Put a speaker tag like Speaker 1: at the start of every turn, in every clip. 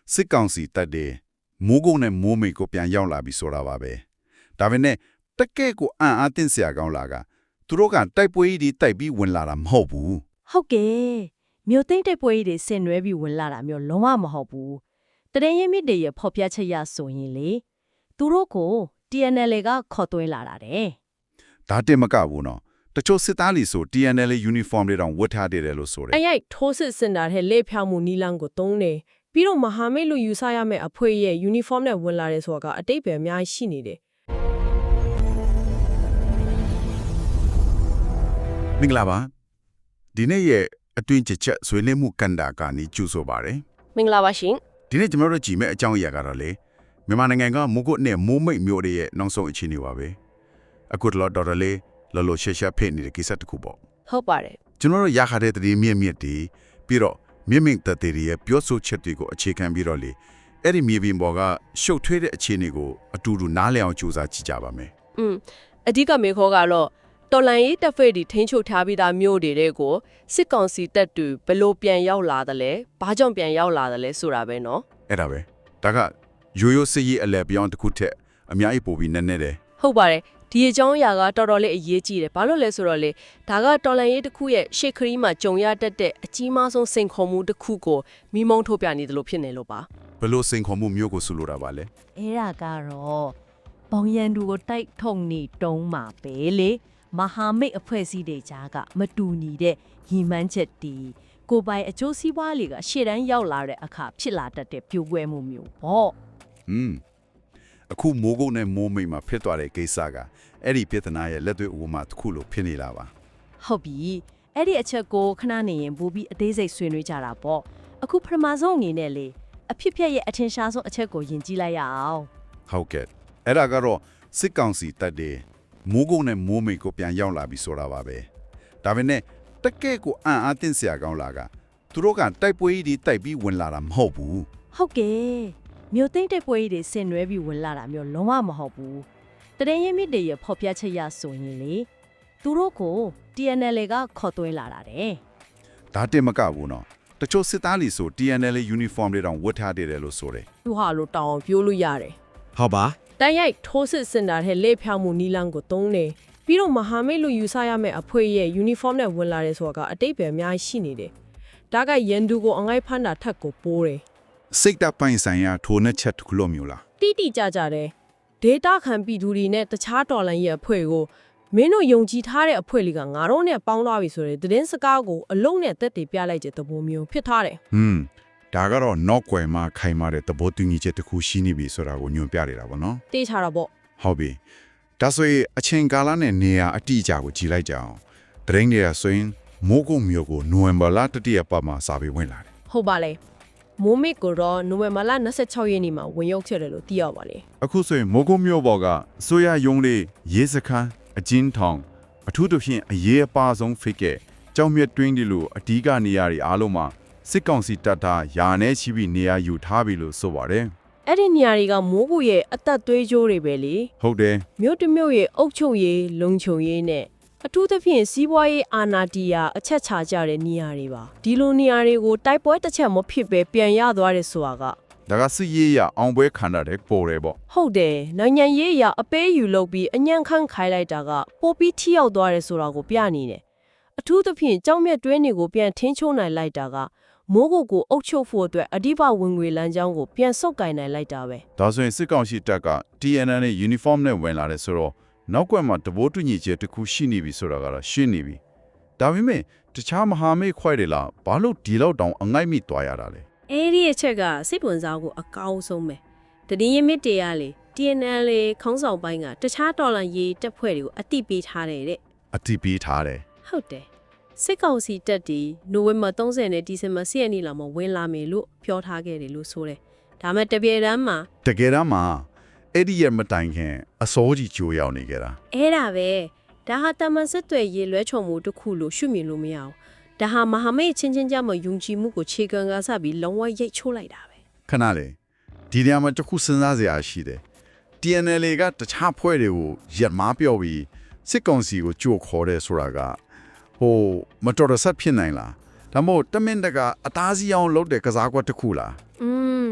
Speaker 1: စစ်ကောင်စီတပ်တွေမိုးကုတ်နဲ့မိုးမိတ်ကိုပြန်ရောက်လာပြီဆိုတာပါပဲဒါပေမဲ့တက်ကဲကိုအံ့အားသင့်စရာကောင်းလာကသူတို့ကတိုက်ပွဲကြီးတိုက်ပြီးဝင်လာတာမဟုတ်ဘူး
Speaker 2: ဟုတ်ကဲ့မြို့သိမ့်တဲ့ပွဲကြီးတွေဆင်နွှဲပြီးဝင်လာတာမျိုးလုံးဝမဟုတ်ဘူးတရင်ရင်မြစ်တွေရဖော်ပြချက်ရဆိုရင်လေသူတို့ကို TNL ကခေါ်သွင်းလာတာတဲ့
Speaker 1: ဒါတင်မကဘူးနော်တချို့စစ်သားလီဆို TNL uniform တွေတောင်ဝတ်ထားတယ်လို့ဆိုတယ်
Speaker 3: အဲ့ရိုက်ထိုးစစ်စင်တာတဲ့လေဖြောင်းမှုနီလန်းကိုတုံးနေပြီးတော့မဟာမိတ်လူယူဆရမယ့်အဖွဲ့ရဲ့ uniform နဲ့ဝင်လာတယ်ဆိုတာကအတိတ်ပဲအများကြီးရှိနေတယ်
Speaker 1: မင်္ဂလာပါဒီနေ့ရဲ့အတွင်းချက်ဆွေးနွေးမှုကန်တာကနေကျူဆိုပါရယ်
Speaker 3: မင်္ဂလာပါရှင်
Speaker 1: ဒီနေ့ကျွန်တော်တို့ကြည့်မဲ့အကြောင်းအရာကတော့လေမြန်မာနိုင်ငံကမိုးကုတ်နဲ့မိုးမိတ်မျိုးတွေရဲ့နောက်ဆုံးအခြေအနေပါပဲအခုတော့တော်တော်လေးလော်လော်ရှက်ရှက်ဖိနေတဲ့ကိစ္စတစ်ခုပေါ့
Speaker 3: ဟုတ်ပါတယ်
Speaker 1: ကျွန်တော်တို့ရခတဲ့တည်းမြင့်မြင့်တီးပြီးတော့မြင့်မြင့်တည်းရဲ့ပြောဆိုချက်တွေကိုအခြေခံပြီးတော့လေအဲ့ဒီမြေပြင်ပေါ်ကရှုပ်ထွေးတဲ့အခြေအနေကိုအတူတူနားလည်အောင်ကြိုးစားကြည့်ကြပါမယ်
Speaker 3: အဓိကမေခေါ်ကတော့တော်လန်ရေးတပ်ဖွဲ့တွေထိန်းချုပ်ထားပြီးသားမျိုးတွေကိုစစ်ကောင်စီတပ်တွေဘယ်လိုပြန်ရောက်လာသလဲဘာကြောင့်ပြန်ရောက်လာသလဲဆိုတာပဲเนาะ
Speaker 1: အဲ့ဒါပဲဒါကရိုးရိုးစစ်ရေးအလဲပြောင်းတစ်ခုထက်အများကြီးပိုပြီးနည်းနည်းတယ်
Speaker 3: ဟုတ်ပါတယ်ဒီအကြောင်းအရာကတော်တော်လေးအရေးကြီးတယ်ဘာလို့လဲဆိုတော့လေဒါကတော်လန်ရေးတစ်ခုရဲ့ရှေ့ခရီးမှာကြုံရတတ်တဲ့အကြီးမားဆုံးစိန်ခေါ်မှုတစ်ခုကိုမိမုံထုတ်ပြနေတယ်လို့ဖြစ်နေလို့ပါ
Speaker 1: ဘယ်လိုစိန်ခေါ်မှုမျိုးကိုဆိုလိုတာပါလဲ
Speaker 2: အဲ့ဒါကတော့ဘောင်ရန်သူကိုတိုက်ထုံနေတုံးမှာပဲလေမဟာမိတ်အဖွဲ့အစည်းတွေကြားကမတူညီတဲ့ညီမှန်းချက်တီကိုပိုင်အကျိုးစီးပွားတွေကရှေ့တန်းရောက်လာတဲ့အခါဖြစ်လာတတ်တဲ့ပြိုကွဲမှုမျိုးပေါ့
Speaker 1: အခုမိုးကုတ်နဲ့မိုးမိတ်မှာဖြစ်သွားတဲ့ကိစ္စကအဲ့ဒီပြဿနာရဲ့လက်တွေ့ဥပမာတစ်ခုလို့ဖြစ်နေတာပါ
Speaker 2: ဟုတ်ပြီအဲ့ဒီအချက်ကိုခဏနေရင်ပို့ပြီးအသေးစိတ်ဆွေးနွေးကြတာပေါ့အခုပထမဆုံးအနေနဲ့လေအဖြစ်ဖြစ်ရဲ့အထင်ရှားဆုံးအချက်ကိုယဉ်ကြည့်လိုက်ရအောင်
Speaker 1: ဟုတ်ကဲ့အဲ့ဒါကတော့စစ်ကောင်စီတပ်တွေမိုးကုတ်နဲ့မိုးမိတ်ကိုပြန်ရောက်လာပြီဆိုတာပါပဲဒါပေမဲ့တက်ကဲကိုအံ့အားသင့်စရာကောင်းလာကသူတို့ကတိုက်ပွဲကြီးတိုက်ပြီးဝင်လာတာမဟုတ်ဘူး
Speaker 2: ဟုတ်ကဲ့မြို့သိမ့်တဲ့ပွဲကြီးတွေဆင်နွှဲပြီးဝင်လာတာမျိုးလုံးဝမဟုတ်ဘူးတရင်ရင်မြစ်တွေရဖော်ပြချက်ရဆိုရင်လေသူတို့ကို TNL ကခေါ်သွင်းလာတာတဲ့
Speaker 1: ဒါတင်မကဘူးနော်တချို့စစ်သားလီဆို TNL uniform တွေတောင်ဝတ်ထားတယ်လို့ဆိုတယ်
Speaker 3: သူဟာလို့တောင်းအောင်ပြောလို့ရတယ်
Speaker 1: ဟုတ်ပါ
Speaker 3: တန်ရိုက်ထိုးစစ်စင်တာတဲ့လေဖြောင်းမှုနီလန်းကိုတုံးနေပြီးတော့မဟာမိတ်လူယူဆရမယ့်အဖွဲ့ရဲ့ uniform နဲ့ဝင်လာတယ်ဆိုတာကအတိတ်ပဲအများကြီးရှိနေတယ်ဒါကရန်သူကိုအငိုက်ဖမ်းတာထက်ကိုပိုးတယ်
Speaker 1: စိတ်တပ်ပိုင်းဆိုင်ရာထိုးနှက်ချက်တစ်ခုလို့မျိုးလား
Speaker 3: တိတိကျကျတယ် data ခံပြည်သူတွေနဲ့တခြားတော်လန်ရဲ့အဖွဲ့ကိုမင်းတို့ယုံကြည်ထားတဲ့အဖွဲ့လေးကငါတို့နဲ့ပေါင်းသွားပြီဆိုတဲ့သတင်းစကားကိုအလုံးနဲ့တက်တည်ပြလိုက်တဲ့သဘောမျိုးဖြစ်ထားတယ်
Speaker 1: ဒါကတော့ နောက်ွယ်မှာခိုင်မာတဲ့သဘောတူညီချက်တစ်ခုရှိနေပြီဆိုတာကိုညွှန်ပြနေတာပေါ့နော်
Speaker 3: တေးချတာပေါ့
Speaker 1: ဟုတ်ပြီဒါဆိုရင်အချိန်ကာလနဲ့နေရာအတိအကျကိုကြည့်လိုက်ကြအောင်တရင်တွေကဆိုရင်မိုးကုတ်မြို့ကိုနိုဝင်ဘာလတတိယပတ်မှာစာပေဝင်လာတယ်
Speaker 3: ဟုတ်ပါလေမိုးမိတ်ကိုတော့နိုဝင်ဘာလ26ရက်နေ့မှာဝင်ရောက်ခဲ့တယ်လို့သိရပါလေ
Speaker 1: အခုဆိုရင်မိုးကုတ်မြို့ပေါ်ကအစိုးရရုံးလေးရေစခန်းအကျဉ်းထောင်အထူးသဖြင့်အရေးအပါဆုံးဖိတ်ကဲကြောင်မြတ်တွင်းဒီလိုအဓိကနေရာတွေအားလုံးမှာစစ်ကောင်စီတပ်သားယာနဲ့ချီပြီးနေရာယူထားပြီလို့ဆိုပါတယ်
Speaker 3: အဲ့ဒီနေရာတွေကမိုးကူရဲ့အသက်သွေးကြိုးတွေပဲလေ
Speaker 1: ဟုတ်တယ်
Speaker 3: မြို့တစ်မြို့ရဲ့အုပ်ချုပ်ရေးလုံခြုံရေးနဲ့အထူးသဖြင့်စီးပွားရေးအာဏာတီးယာအချက်ချကြတဲ့နေရာတွေပါဒီလိုနေရာတွေကိုတိုက်ပွဲတစ်ချက်မဖြစ်ပဲပြန်ရသွားတယ်ဆိုတာက
Speaker 1: ဒါကစစ်ရေးရအောင်ပွဲခံရတဲ့ပေါ်တယ်ပေါ့
Speaker 3: ဟုတ်တယ်နိုင်ငံရေးအရအပေးယူလုပ်ပြီးအညံ့ခန့်ခိုင်းလိုက်တာကပိုပြီးထိရောက်သွားတယ်ဆိုတာကိုပြနေတယ်အထူးသဖြင့်ကြောင်မြတ်တွင်းတွေကိုပြန်ထင်းချုံနိုင်လိုက်တာကမိုးကုတ်ကိုအုပ်ချုပ်ဖို့အတွက်အဓိပဝင်ငွေလမ်းကြောင်းကိုပြန်ဆုတ်ကင်နိုင်လိုက်တာပဲ
Speaker 1: ဒါဆိုရင်စစ်ကောင်စီတပ်က TNL နဲ့ uniform နဲ့ဝင်လာတယ်ဆိုတော့နောက်ကွယ်မှာတဘိုးတူညီချက်တစ်ခုရှိနေပြီဆိုတာကတော့ရှင်းနေပြီဒါပေမဲ့တခြားမဟာမိတ်ခွဲတွေလားဘာလို့ဒီလောက်တောင်အငိုက်မိသွားရတာလဲ
Speaker 3: အဲ့ဒီအချက်ကစိတ်ဝင်စားဖို့အကောင်းဆုံးပဲတတိယမြစ်တွေကလေ TNL လေခေါင်းဆောင်ပိုင်းကတခြားတော်လန်ရေးတပ်ဖွဲ့တွေကိုအတိပေးထားတယ်တဲ့
Speaker 1: အတိပေးထားတယ်
Speaker 3: ဟုတ်တယ်စစ်ကောင်စီတပ်တီနိုဝင်ဘာ30နဲ့ဒီဇင်ဘာ10ရက်နေ့လောက်မှာဝင်လာမယ်လို့ပြောထားခဲ့တယ်လို့ဆိုတယ်ဒါမဲ့တပြေတမ်းမှာ
Speaker 1: တကယ်တမ်းမှာအဲ့ဒီရမတိုင်ခင်အစောကြီးကြိုးရောက်နေကြတာ
Speaker 3: အဲ့ဒါပဲဒါဟာတမန်စစ်တွေရေလွဲချုံမှုတစ်ခုလို့ရှုမြင်လို့မရအောင်ဒါဟာမဟာမိတ်ချင်းချင်းကြမှာယုံကြည်မှုကိုခြေခံကားစပြီးလုံးဝရိတ်ချိုးလိုက်တာပဲ
Speaker 1: ခဏလေဒီနေရာမှာတစ်ခုစဉ်းစားစရာရှိတယ် TNL ကတခြားဖွဲ့တွေကိုရက်မားပြော့ပြီးစစ်ကောင်စီကိုကြိုခေါ်တယ်ဆိုတာကဟိုမတော်တဆဖြစ်နိုင်လားဒါမို့တမင်တကအသားစီအောင်လုပ်တဲ့ကစားကွက်တစ်ခုလား
Speaker 3: อืม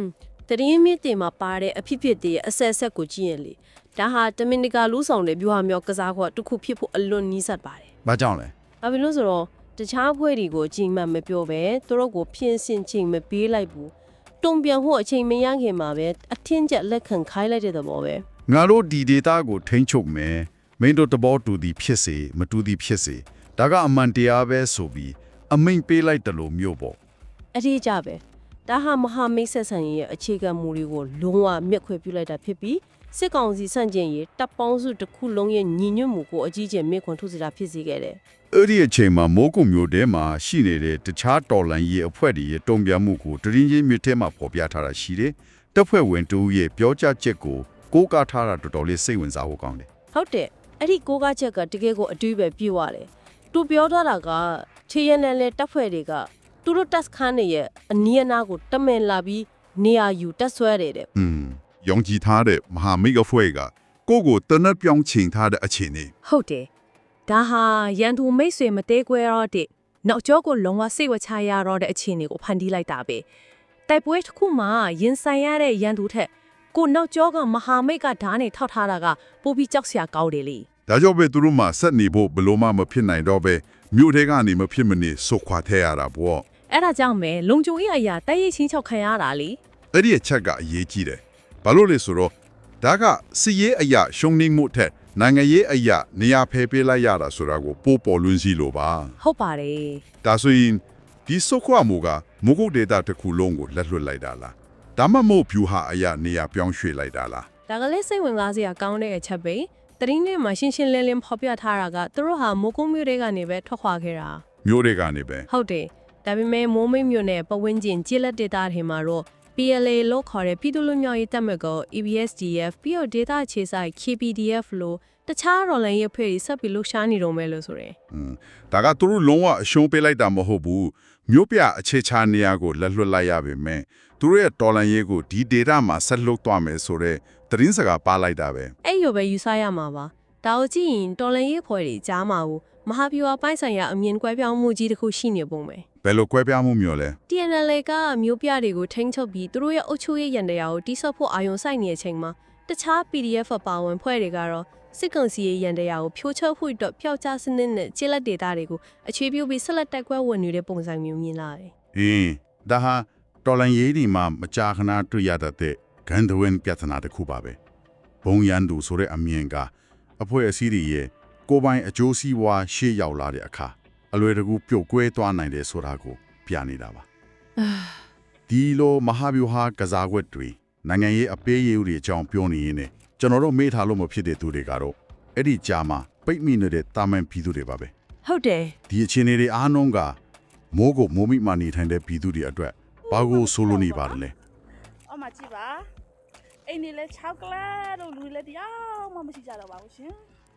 Speaker 3: တရင်မြစ်တင်မှာပါတဲ့အဖြစ်ဖြစ်တဲ့အဆက်ဆက်ကိုကြည့်ရင်လေဒါဟာတမင်တကာလူဆောင်တဲ့ဗျူဟာမျိုးကစားခွက်တစ်ခုဖြစ်ဖို့အလွန်နီးစပ်ပါတယ်
Speaker 1: ။ဘာကြောင့်လဲ
Speaker 3: ။ဘာဖြစ်လို့ဆိုတော့တခြားဖွဲ့တွေကိုအချိန်မှမပြောပဲသူတို့ကိုဖြင်းစင်ချိန်မပေးလိုက်ဘူး။တုံပြန်ဖို့အချိန်မရခင်မှာပဲအထင်းကျက်လက်ခံခိုင်းလိုက်တဲ့သဘောပဲ
Speaker 1: ။ငါတို့ဒီ data ကိုထိန်းချုပ်မယ်။မင်းတို့တဘောတူသည်ဖြစ်စေမတူသည်ဖြစ်စေဒါကအမှန်တရားပဲဆိုပြီးအမိန်ပေးလိုက်တယ်လို့မျိုးပေါ့
Speaker 3: ။အထည်ကြပဲ။ဒါဟာမဟာမိတ်ဆက်ဆံရေးရဲ့အခြေခံမူတွေကိုလုံးဝမျက်ခွဲပြုလိုက်တာဖြစ်ပြီးစစ်ကောင်စီဆန့်ကျင်ရေးတပ်ပေါင်းစုတစ်ခုလုံးရဲ့ညီညွတ်မှုကိုအကြီးကျယ်မြင့်ခွန်ထုတ်စရာဖြစ်စေခဲ့တယ်
Speaker 1: ။အဲ့ဒီအချိန်မှာမိုးကုံမျိုးတဲမှာရှိနေတဲ့တခြားတော်လန်ရေးအဖွဲ့တွေရဲ့တုံ့ပြန်မှုကိုတရင်ချင်းမြစ်ထဲမှာပေါ်ပြထားတာရှိတယ်။တပ်ဖွဲ့ဝင်တူရဲ့ပြောကြားချက်ကိုကိုးကားထားတာတော်တော်လေးစိတ်ဝင်စားဖို့ကောင်းတယ်
Speaker 3: ။ဟုတ်တယ်။အဲ့ဒီကိုကချက်ကတကယ်ကိုအတူပဲပြည့်သွားတယ်။သူပြောထားတာကချေရနယ်လေတပ်ဖွဲ့တွေကသူတို့တပ်ခန်းတွေရဲ့အနီးအနားကိုတမင်လာပြီးနေရာယူတပ်ဆွဲတယ်တဲ့
Speaker 1: ယုံကြည်ထားတဲ့မဟာမိတ်အဖွဲ့ကကိုကိုတနက်ပြောင်းချိန်ထားတဲ့အခြေအနေ
Speaker 2: ဟုတ်တယ်ဒါဟာရန်သူမိတ်ဆွေမသေးကွဲတော့တဲ့နောက်ကျောကိုလုံးဝစိတ်ဝချရတော့တဲ့အခြေအနေကိုဖန်တီးလိုက်တာပဲတိုက်ပွဲတစ်ခုမှာရင်ဆိုင်ရတဲ့ရန်သူထက်ကိုနောက်ကျောကမဟာမိတ်ကဓာတ်နဲ့ထောက်ထားတာကပိုပြီးကြောက်စရာကောင်းတယ်လေ
Speaker 1: ဒါကြောင့်ပဲသူတို့မှဆက်နေဖို့ဘလို့မှမဖြစ်နိုင်တော့ပဲမြို့ထဲကနေမဖြစ်မနေဆုတ်ခွာထဲရတာပေါ့
Speaker 2: အဲ့ဒါကြောင့်ပဲလုံခြုံရေးအရာတိုက်ရိုက်ချင်းချောက်ခံရတာလေ
Speaker 1: အဲ့ဒီအချက်ကအရေးကြီးတယ်ဘာလို့လဲဆိုတော့ဒါကစီရေးအရာရှုံနေမှုထက်နိုင်ငံရေးအရာနေရာဖယ်ပေးလိုက်ရတာဆိုတာကိုပို့ပေါ်လွန်းစီလို့ပါ
Speaker 2: ဟုတ်ပါတယ်
Speaker 1: ဒါဆိုရင်ဒီဆုတ်ခွာမှုကမုဂုတ်ဒေတာတစ်ခုလုံးကိုလက်လွတ်လိုက်တာလားဒါမှမဟုတ်ဖြူဟာအရာနေရာပြောင်းရွှေ့လိုက်တာလား
Speaker 2: ဒါကလေးစိတ်ဝင်စားစရာကောင်းတဲ့အချက်ပဲတရင်းနဲ့မှရှင်းရှင်းလင်းလင်းဖော်ပြထားတာကသူတို့ဟာမိုးကုန်းမြို့တွေကနေပဲထွက်ခွာခဲ့တာ
Speaker 1: မြို့တွေကနေပဲ
Speaker 2: ဟုတ်တယ်ဒါပေမဲ့မိုးမိတ်မြို့နယ်ပဝင်းကျင်ကျေးလက်ဒေတာတွေမှာတော့ PLA လို့ခေါ်တဲ့ပြည်သူ့လူမျိုးရေးတပ်မတော် EBSDF ပြီးတော့ဒေတာခြေဆိုင် KPDF လို့တခြားတော်လှန်ရေးအဖွဲ့တွေဆက်ပြီးလှုပ်ရှားနေတော့မယ်လို့ဆိုရယ်
Speaker 1: ဒါကသူတို့လုံးဝအရှုံးပေးလိုက်တာမဟုတ်ဘူးမြို့ပြအခြေချနေရာကိုလက်လွတ်လိုက်ရပါမယ်သူတို့ရဲ့တော်လန်ရေးကိုဒီဒေတာမှာဆက်လုပ်သွားမယ်ဆိုတော့သတင်းစကားပါလိုက်တာပဲ
Speaker 2: အဲ့လိုပဲယူဆရမှာပါဒါကိုကြည့်ရင်တော်လှန်ရေးဖွဲ့တွေကြားမှာဘူးမဟာဗျူဟာပိုင်းဆိုင်ရာအမြင်ကွဲပြောင်းမှုကြီးတစ်ခုရှိနေပုံပဲ
Speaker 1: ဘယ်လိုကွဲပြားမှုမျိုးလဲ
Speaker 2: TNL ကမျိုးပြတွေကိုထိန်းချုပ်ပြီးသူတို့ရဲ့အုပ်ချုပ်ရေးရန်တရားကိုတိစော့ဖို့အာရုံစိုက်နေတဲ့အချိန်မှာတခြား PDF ပါဝင်ဖွဲ့တွေကတော့စစ်ကောင်စီရဲ့ရန်တရားကိုဖြိုးချုပ်ဖို့အတွက်ပျောက်ကြားစနစ်နဲ့ကျေလက်ဒေတာတွေကိုအခြေပြုပြီးဆက်လက်တိုက်ပွဲဝင်နေတဲ့ပုံစံမျိုးမြင်လာတယ်
Speaker 1: ဒါဟာတော်လန်ရေးဒီမှာမကြာခဏတွေ့ရတဲ့ဂန်ဒဝင်ပြဿနာတစ်ခုပါပဲဘုံရန်သူဆိုတဲ့အမြင်ကအဖွဲ့အစည်းတွေရဲ့ကိုယ်ပိုင်အကျိုးစီးပွားရှေ့ရောက်လာတဲ့အခါအလွယ်တကူပြုတ်ကွဲသွားနိုင်တယ်ဆိုတာကိုပြနေတာပါဒီလိုမဟာဗျူဟာကစားကွက်တွေနိုင်ငံရေးအပေးအယူတွေအကြောင်းပြောနေရင်ကျွန်တော်တို့မေ့ထားလို့မဖြစ်တဲ့သူတွေကတော့အဲ့ဒီကြားမှာပိတ်မိနေတဲ့တာမန်ပြည်သူတွေပါပဲ
Speaker 2: ဟုတ်တယ်
Speaker 1: ဒီအခြေအနေတွေအားလုံးကမိုးကိုမိုးမိမှနေထိုင်တဲ့ပြည်သူတွေအတွက်ဘာကိုဆိုလိုနေပါလဲ
Speaker 4: အော်မကြည့်ပါအိမ်နေလဲ6ကလပ်တို့လူလဲတရားမှမရှိကြတော့ပါဘူးရှင်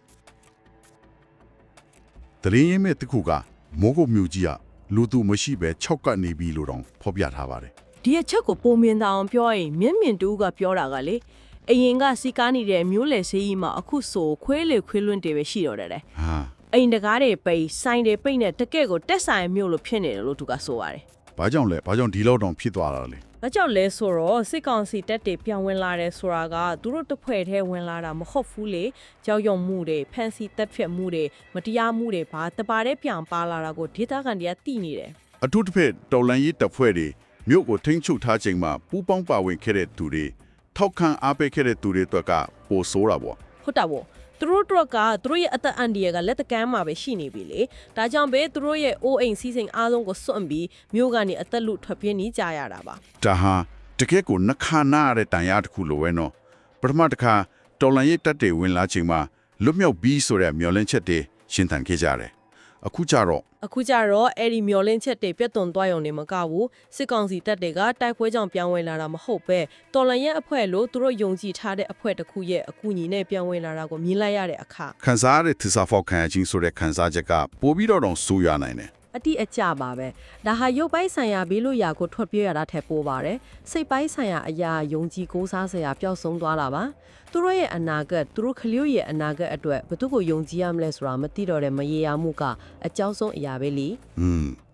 Speaker 1: တရင်းရင်မဲ့တခုကမိုးကိုမြူကြီးကလူသူမရှိပဲ6ကနေပြီလို့တောင်ဖော်ပြထားပါတယ်
Speaker 3: ဒီအချက်ကိုပုံမြင်တာအောင်ပြောရင်မြင့်မြင့်တူကပြောတာကလေအရင်ကစီကားနေတဲ့မျိုးလေဆေးကြီးမှာအခုဆိုခွေးလေခွေးလွန့်တွေပဲရှိတော့တယ်
Speaker 1: ဟာ
Speaker 3: အိမ်တကားတွေပိတ်ဆိုင်တွေပိတ်နဲ့တကယ့်ကိုတက်ဆိုင်မျိုးလို့ဖြစ်နေတယ်လို့သူကဆိုပါတယ်
Speaker 1: ဘာကြောင့်လဲဘာကြောင့်ဒီလောက်တောင်ဖြစ်သွားတာလဲ
Speaker 3: ။ဒါကြောင့်လဲဆိုတော့စစ်ကောင်စီတပ်တွေပြောင်းဝင်လာတယ်ဆိုတာကသူတို့တစ်ဖွဲ့တည်းဝင်လာတာမဟုတ်ဘူးလေ။ကြောက်ရွံ့မှုတွေဖန်စီတပ်ဖြတ်မှုတွေမတရားမှုတွေဘာတပါတဲ့ပြောင်ပါလာတာကိုဒေသခံတွေကသိနေတယ်
Speaker 1: အထူးတစ်ဖက်တော်လန်ရေးတပ်ဖွဲ့တွေမြို့ကိုထိန်းချုပ်ထားချိန်မှာပူးပေါင်းပါဝင်ခဲ့တဲ့သူတွေထောက်ခံအားပေးခဲ့တဲ့သူတွေအတွက်ကပိုဆိုးတာပေါ့
Speaker 3: ။ဟုတ်တာပေါ့။သူတို့တို့ကသူတို့ရဲ့အသက်အန္တရာယ်ကလက်တကမ်းမှာပဲရှိနေပြီလေ။ဒါကြောင့်ပဲသူတို့ရဲ့အိုးအိမ်စီးစိမ်အားလုံးကိုစွန့်ပြီးမြို့ကနေအသက်လူထွက်ပြေးနေကြရတာပါ
Speaker 1: ဒါဟာတကယ့်ကိုနှခါနာရတဲ့တန်ရာတစ်ခုလိုပဲနော်ပထမတစ်ခါတော်လန်ရေးတပ်တွေဝင်လာချိန်မှာလွတ်မြောက်ပြီးဆိုတဲ့မျှော်လင့်ချက်တွေရှင်းထန်ခဲ့ကြတယ်အခုကြတော့
Speaker 3: အခုကြတော့အဲ့ဒီမျောလင်းချက်တွေပြတ်သွန်သွားရုံနဲ့မကဘူးစစ်ကောင်စီတပ်တွေကတိုက်ပွဲကြောင့်ပြောင်းဝင်လာတာမဟုတ်ပဲတော်လန်ရဲ့အဖွဲ့လို့သူတို့ယုံကြည်ထားတဲ့အဖွဲ့တစ်ခုရဲ့အကူအညီနဲ့ပြောင်းဝင်လာတာကိုမြင်လိုက်ရတဲ့အခါ
Speaker 1: ခန်းစားတဲ့သစ္စာဖောက်ခံခြင်းဆိုတဲ့ခန်းစားချက်ကပိုပြီးတော့ဆိုးရနိုင်တယ်
Speaker 3: အတိအကျပါပဲဒါဟာရုပ်ပိုင်းဆိုင်ရာဘေးလို့ရာကိုထွက်ပြေးရတာထက်ပိုပါတယ်စိတ်ပိုင်းဆိုင်ရာအရာယုံကြည်ကိုးစားစရာပျောက်ဆုံးသွားတာပါသူတို့ရဲ့အနာဂတ်သူတို့ခလျို့ရဲ့အနာဂတ်အတွက်ဘယ်သူကိုယုံကြည်ရမလဲဆိုတာမသိတော့တဲ့မရေရာမှုကအကြောက်ဆုံးအရာပဲလी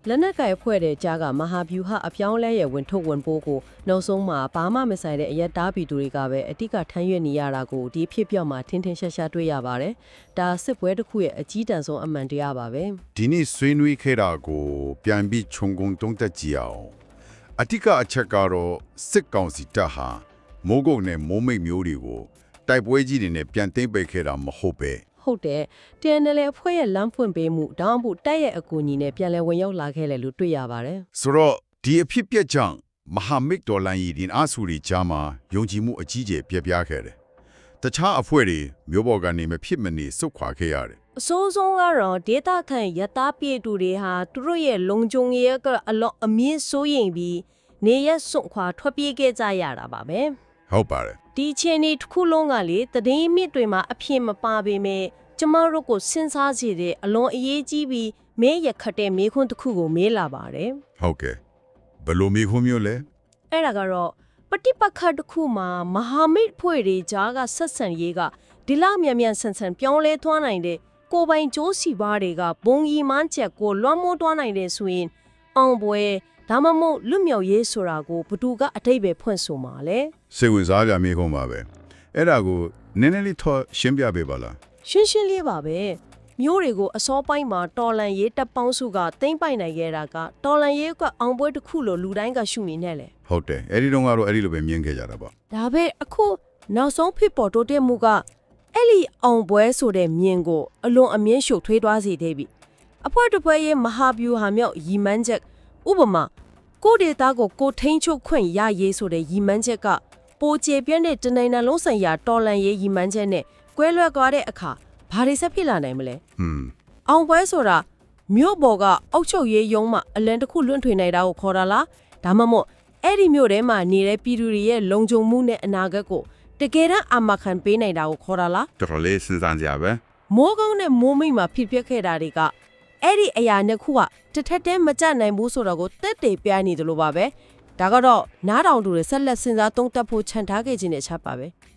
Speaker 3: လက်နက်ကင်ဖွဲ့တဲ့ကြားကမဟာဗျူဟာအပြောင်းလဲရဲ့ဝင်ထုတ်ဝင်ပိုးကိုနောက်ဆုံးမှာဘာမှမဆိုင်တဲ့အရက်သားပြည်သူတွေကပဲအတိကထမ်းရွက်နေရတာကိုဒီဖြစ်ပြောက်မှာထင်းထင်းရှားရှားတွေ့ရပါတယ်။ဒါစစ်ပွဲတစ်ခုရဲ့အကြီးတန်းဆုံးအမှန်တရားပါပဲ။
Speaker 1: ဒီနေ့ဆွေးနွေးခဲ့တာကိုပြန်ပြီးခြုံငုံတုံးသက်ကြည့်အောင်အတိကအချက်ကတော့စစ်ကောင်စီတပ်ဟာမိုးကုတ်နဲ့မိုးမိတ်မျိုးတွေကိုတိုက်ပွဲကြီးတွေနဲ့ပြန်သိမ်းပိတ်ခဲ့တာမဟုတ်ပဲ
Speaker 3: ဟုတ်တယ် TNL အဖွဲ့ရဲ့လမ်းဖွင့်ပေးမှုတောင်းဖို့တိုက်ရဲ့အကူအညီနဲ့ပြန်လည်ဝင်ရောက်လာခဲ့တယ်လို့တွေ့ရပါတယ်
Speaker 1: ဆိုတော့ဒီအဖြစ်ပြက်ကြောင့်မဟာမိတ်တော်လှန်ရေးဒီအားစုတွေကြားမှာယုံကြည်မှုအကြီးကျယ်ပြပြခဲ့တယ်တခြားအဖွဲ့တွေမျိုးပေါ်ကနေမဖြစ်မနေစုတ်ခွာခဲ့ရတယ်
Speaker 3: အစိုးဆုံးကတော့ဒေတာခန့်ရတာပြည်သူတွေဟာသူတို့ရဲ့လုံခြုံရေးကအလော့အမြင့်စိုးရင်ပြီးနေရစွန့်ခွာထွက်ပြေးခဲ့ကြရတာပါပဲ
Speaker 1: ဟုတ်ပါတယ်
Speaker 3: ဒီအချိန်ဒီတစ်ခုလုံးကလေတည်င်းမြစ်တွေမှာအဖြစ်မပါပေမဲ့ကျမတို့ကိုစဉ်းစားစေတဲ့အလွန်အရေးကြီးပြီးမဲရခတ်တဲ့မေခွန်းတစ်ခုကိုမေးလာပါတယ်
Speaker 1: ဟုတ်ကဲ့ဘယ်လိုမျိုးခုမျိုးလဲ
Speaker 3: အဲ့ဒါကတော့ပฏิပက္ခတစ်ခုမှာမဟာမိတ်ဖွဲ့တွေကြားကဆက်ဆံရေးကဒီလောက်မြန်မြန်ဆန်ဆန်ပြောင်းလဲသွားနိုင်တဲ့ကိုယ်ပိုင်ကြိုးစီပါတွေကဘုံကြီးမှန်းချက်ကိုလွှမ်းမိုးသွားနိုင်တဲ့ဆိုရင်အောင်ပွဲဒါမှမဟုတ်လွတ်မြောက်ရေးဆိုတာကိုဘသူကအတိတ်ပဲဖွင့်ဆိုမှာလဲ
Speaker 1: စိတ်ဝင်စားကြမိခုံးပါပဲအဲ့ဒါကိုနည်းနည်းလေးထောရှင်းပြပေးပါလား
Speaker 3: ရှင်းရှင်းလေးပါပဲမျိုးတွေကိုအစောပိုင်းမှာတော်လန်ရေးတပ်ပေါင်းစုကသိမ့်ပိုက်နိုင်ခဲ့တာကတော်လန်ရေးကအောင်ပွဲတစ်ခုလို့လူတိုင်းကရှုမြင်နေလေ
Speaker 1: ဟုတ်တယ်အဲ့ဒီတော့ကတော့အဲ့ဒီလိုပဲမြင်ခဲ့ကြတာပေါ့
Speaker 3: ဒါပဲအခုနောက်ဆုံးဖြစ်ပေါ်တိုးတက်မှုကအဲ့ဒီအောင်ပွဲဆိုတဲ့မြင်ကိုအလွန်အမြင့်ရှုပ်ထွေးသွားစေသေးပြီအဖွဲတစ်ဖွဲရဲ့မဟာဗျူဟာမြောက်ရီမန်းချက်ဥပမာကိုဒေတာကိုကိုထိန်ချုပ်ခွင့်ရရေးဆိုတဲ့ရီမန်းချက်ကပိုကျပြန့်တဲ့တနိုင်ငံလုံးဆိုင်ရာတော်လန်ရေးရီမန်းချက်နဲ့ကွဲလွဲသွားတဲ့အခါဘာတွေဆက်ဖြစ်လာနိုင်မလဲ အောင်ပွဲဆိုတာမြို့ပေါ်ကအောက်ချုပ်ရေးရုံးမှာအလံတစ်ခုလွှင့်ထွေနေတာကိုခေါ်တာလားဒါမှမဟုတ်အဲ့ဒီမြို့ထဲမှာနေတဲ့ပြည်သူတွေရဲ့လုံခြုံမှုနဲ့အနာဂတ်ကိုတကယ်တမ်းအာမခံပေးနိုင်တာကိုခေါ်တာလား
Speaker 1: တော်တော်လေးစဉ်းစားကြပဲ
Speaker 3: မိုးကုန်းနဲ့မိုးမိတ်မှာဖြစ်ပျက်ခဲ့တာတွေကအဲ့ဒီအရာနှစ်ခုကတစ်ထက်တည်းမကြနိုင်ဘူးဆိုတော့ကိုတက်တေပြနေတယ်လို့ပါပဲဒါကတော့နားတောင်သူတွေဆက်လက်စဉ်းစားသုံးသပ်ဖို့ခြံထားခဲ့ခြင်းနဲ့ချက်ပါပဲ